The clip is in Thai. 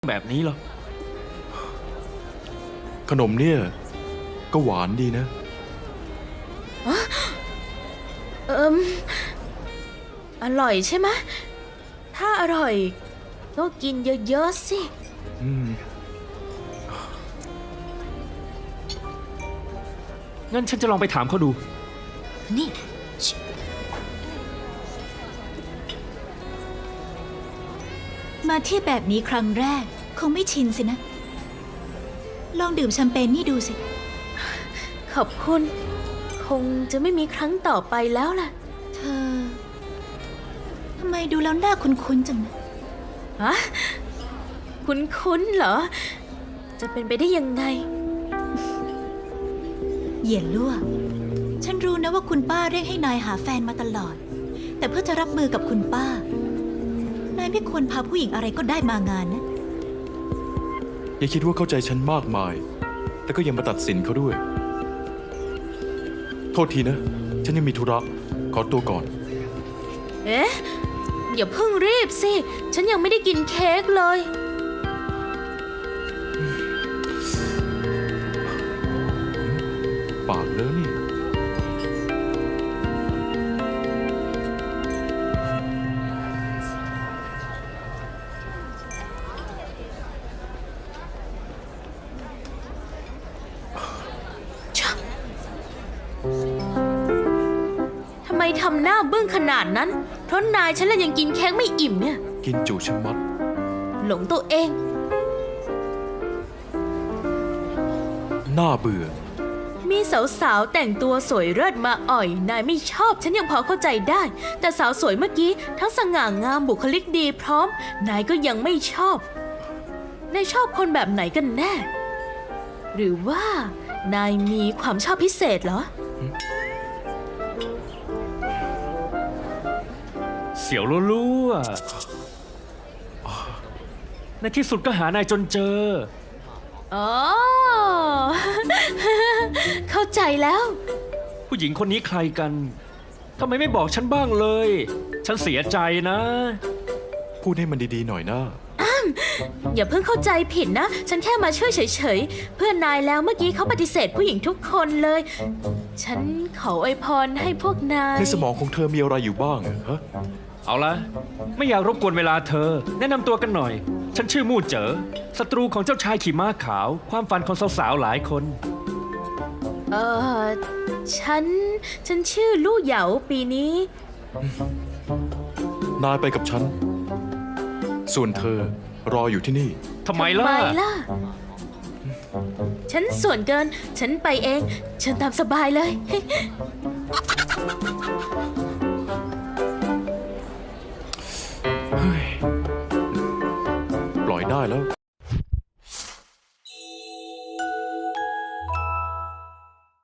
แบบนี้หรอขนมเนี่ยก็หวานดีนะอร่อยใช่ไหมถ้าอร่อยก็กินเยอะๆสิงั้นฉันจะลองไปถามเขาดูนี่มาเที่ยวแบบนี้ครั้งแรกคงไม่ชินสินะลองดื่มแชมเปญนี่ดูสิขอบคุณคงจะไม่มีครั้งต่อไปแล้วล่ะเธอทำไมดูแล้วหน้าคุ้นๆจังนะฮะคุ้นๆเหรอจะเป็นไปได้ยังไงเหยียนลั่วฉันรู้นะว่าคุณป้าเร่งให้นายหาแฟนมาตลอดแต่เพื่อจะรับมือกับคุณป้านายไม่ควรพาผู้หญิงอะไรก็ได้มางานนะอย่าคิดว่าเข้าใจฉันมากมายแต่ก็ยังมาตัดสินเขาด้วยโทษทีนะฉันยังมีธุระขอตัวก่อนเอ๊ะอย่าเพิ่งรีบสิฉันยังไม่ได้กินเค้กเลยปากเลอะนี่ทำไมทำหน้าบึ้งขนาดนั้นเพราะนายฉันเลยยังกินเค้กไม่อิ่มเนี่ยกินจุชะมัดหลงตัวเองน่าเบื่อมีสาวๆแต่งตัวสวยเลิศมาอ่อยนายไม่ชอบฉันยังพอเข้าใจได้แต่สาวสวยเมื่อกี้ทั้งสง่างามบุคลิกดีพร้อมนายก็ยังไม่ชอบนายชอบคนแบบไหนกันแน่หรือว่านายมีความชอบพิเศษเหรอเสียวรั่วๆในที่สุดก็หานายจนเจออ๋อ เข้าใจแล้วผู้หญิงคนนี้ใครกันทำไมไม่บอกฉันบ้างเลยฉันเสียใจนะพูดให้มันดีๆหน่อยนะอย่าเพิ่งเข้าใจผิดนะฉันแค่มาช่วยเฉยๆเพื่อนนายแล้วเมื่อกี้เขาปฏิเสธผู้หญิงทุกคนเลยฉันขออวยพรให้พวกนายในสมองของเธอมีอะไรอยู่บ้างฮะเอาละไม่อยากรบกวนเวลาเธอแนะนำตัวกันหน่อยฉันชื่อมู่เจ๋อศัตรูของเจ้าชายขี่ม้าขาวความฝันของสาวๆหลายคนฉันชื่อลู่เหยาปีนี้นายไปกับฉันส่วนเธอรออยู่ที่นี่ทำไมล่ะฉันส่วนเกินฉันไปเองฉันตามสบายเลยปล่อยได้แล้ว